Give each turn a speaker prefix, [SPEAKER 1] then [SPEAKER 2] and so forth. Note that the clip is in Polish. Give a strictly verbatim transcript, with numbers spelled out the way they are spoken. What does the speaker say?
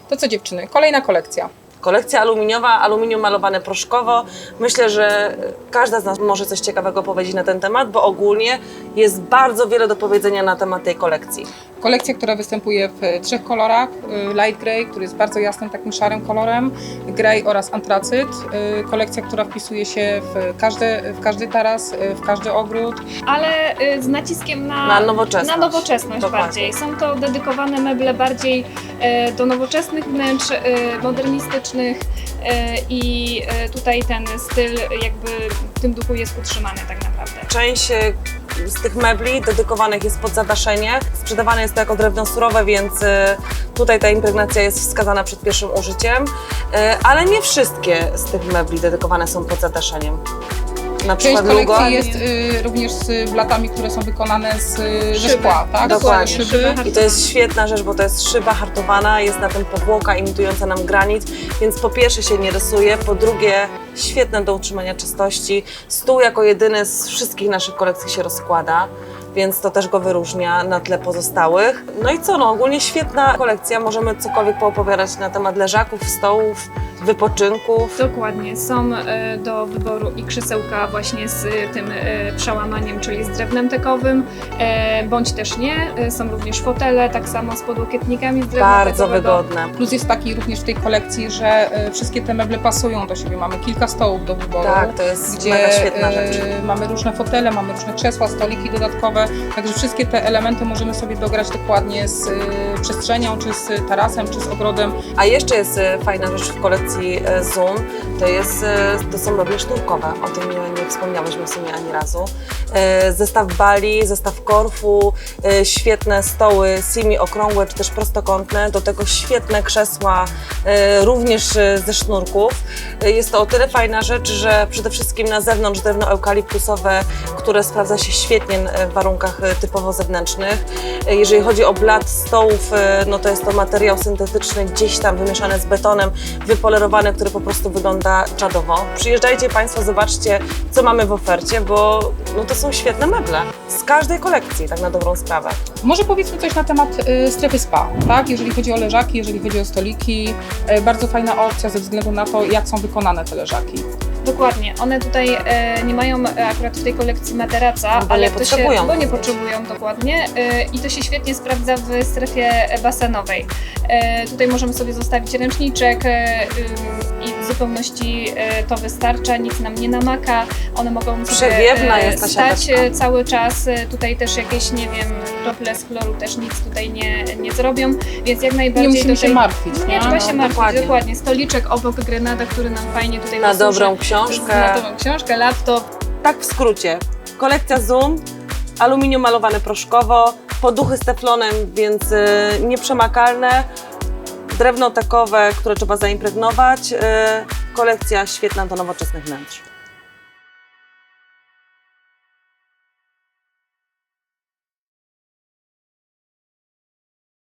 [SPEAKER 1] To co dziewczyny, kolejna kolekcja.
[SPEAKER 2] Kolekcja aluminiowa, aluminium malowane proszkowo. Myślę, że każda z nas może coś ciekawego powiedzieć na ten temat, bo ogólnie jest bardzo wiele do powiedzenia na temat tej kolekcji.
[SPEAKER 1] Kolekcja, która występuje w trzech kolorach. Light grey, który jest bardzo jasnym, takim szarym kolorem, grey oraz antracyt. Kolekcja, która wpisuje się w każdy, w każdy taras, w każdy ogród.
[SPEAKER 3] Ale z naciskiem na,
[SPEAKER 2] Na nowoczesność.
[SPEAKER 3] Na nowoczesność
[SPEAKER 2] Dokładnie.
[SPEAKER 3] bardziej. Są to dedykowane meble bardziej do nowoczesnych wnętrz, modernistycznych i tutaj ten styl jakby w tym duchu jest utrzymany tak naprawdę.
[SPEAKER 2] Część z tych mebli dedykowanych jest pod zadaszenie. Sprzedawane jest to jako drewno surowe, więc tutaj ta impregnacja jest wskazana przed pierwszym użyciem. Ale nie wszystkie z tych mebli dedykowane są pod zadaszeniem. Na
[SPEAKER 1] Część
[SPEAKER 2] przykład
[SPEAKER 1] kolekcji
[SPEAKER 2] Lugo.
[SPEAKER 1] jest y, również z blatami, które są wykonane z, ze
[SPEAKER 3] Szyby.
[SPEAKER 1] szkła, tak?
[SPEAKER 2] Dokładnie.
[SPEAKER 1] Szyby.
[SPEAKER 3] Szyby.
[SPEAKER 2] I to jest świetna rzecz, bo to jest szyba hartowana, jest na tym powłoka imitująca nam granit, więc po pierwsze się nie rysuje, po drugie świetne do utrzymania czystości. Stół jako jedyny z wszystkich naszych kolekcji się rozkłada, więc to też go wyróżnia na tle pozostałych. No i co, no ogólnie świetna kolekcja, możemy cokolwiek poopowiadać na temat leżaków, stołów, wypoczynków.
[SPEAKER 3] Dokładnie, są e, do wyboru i krzesełka właśnie z e, tym e, przełamaniem, czyli z drewnem tekowym, e, bądź też nie. E, są również fotele, tak samo z podłokietnikami z drewna
[SPEAKER 2] Bardzo
[SPEAKER 3] tekowego.
[SPEAKER 2] wygodne.
[SPEAKER 1] Plus jest taki również w tej kolekcji, że y, wszystkie te meble pasują do siebie. Mamy kilka stołów do wyboru.
[SPEAKER 2] Tak, to jest
[SPEAKER 1] Gdzie
[SPEAKER 2] mega świetna
[SPEAKER 1] y,
[SPEAKER 2] rzecz.
[SPEAKER 1] mamy różne fotele, mamy różne krzesła, stoliki dodatkowe, także wszystkie te elementy możemy sobie dograć dokładnie z y, przestrzenią, czy z tarasem, czy z ogrodem.
[SPEAKER 2] A jeszcze jest e, fajna rzecz w kolekcji e, Zoom, to, jest, e, to są meble sznurkowe, o tym nie, nie wspomniałyśmy w sumie ani razu. E, Zestaw bali, zestaw korfu, e, świetne stoły simi okrągłe czy też prostokątne, do tego świetne krzesła, e, również e, ze sznurków. E, Jest to o tyle fajna rzecz, że przede wszystkim na zewnątrz drewno eukaliptusowe, które sprawdza się świetnie w warunkach e, typowo zewnętrznych. E, Jeżeli chodzi o blat stołów, e, no to jest to materiał syntetyczny, gdzieś tam wymieszany z betonem, wypolerowany, który po prostu wygląda czadowo. Przyjeżdżajcie Państwo, zobaczcie, co mamy w ofercie, bo no to są świetne meble z każdej kolekcji, tak na dobrą sprawę.
[SPEAKER 1] Może powiedzmy coś na temat y, strefy spa, tak? Jeżeli chodzi o leżaki, jeżeli chodzi o stoliki, y, bardzo fajna opcja ze względu na to, jak są wykonane te leżaki.
[SPEAKER 3] Dokładnie, one tutaj e, nie mają e, akurat w tej kolekcji materaca,
[SPEAKER 2] Bo
[SPEAKER 3] ale
[SPEAKER 2] nie
[SPEAKER 3] to
[SPEAKER 2] potrzebują.
[SPEAKER 3] się, bo nie potrzebują dokładnie e, i to się świetnie sprawdza w strefie basenowej. E, tutaj możemy sobie zostawić ręczniczek e, y, i w zupełności e, to wystarcza, nic nam nie namaka, one mogą sobie
[SPEAKER 2] Przewiewna jest ta
[SPEAKER 3] stać
[SPEAKER 2] siateczka.
[SPEAKER 3] e, cały czas, e, tutaj też jakieś, nie wiem, krople z chloru też nic tutaj nie, nie zrobią, więc jak najbardziej
[SPEAKER 1] Nie musimy
[SPEAKER 3] tutaj
[SPEAKER 1] się martwić.
[SPEAKER 3] nie trzeba
[SPEAKER 2] no,
[SPEAKER 3] się martwić,
[SPEAKER 2] dokładnie.
[SPEAKER 3] dokładnie. Stoliczek obok grenada, który nam fajnie tutaj
[SPEAKER 2] Na
[SPEAKER 3] posłuży.
[SPEAKER 2] dobrą książkę.
[SPEAKER 3] Na dobrą książkę, laptop.
[SPEAKER 2] Tak w skrócie, kolekcja Zoom, aluminium malowane proszkowo, poduchy z teflonem, więc y, nieprzemakalne, drewno tekowe, które trzeba zaimpregnować, y, kolekcja świetna do nowoczesnych wnętrz.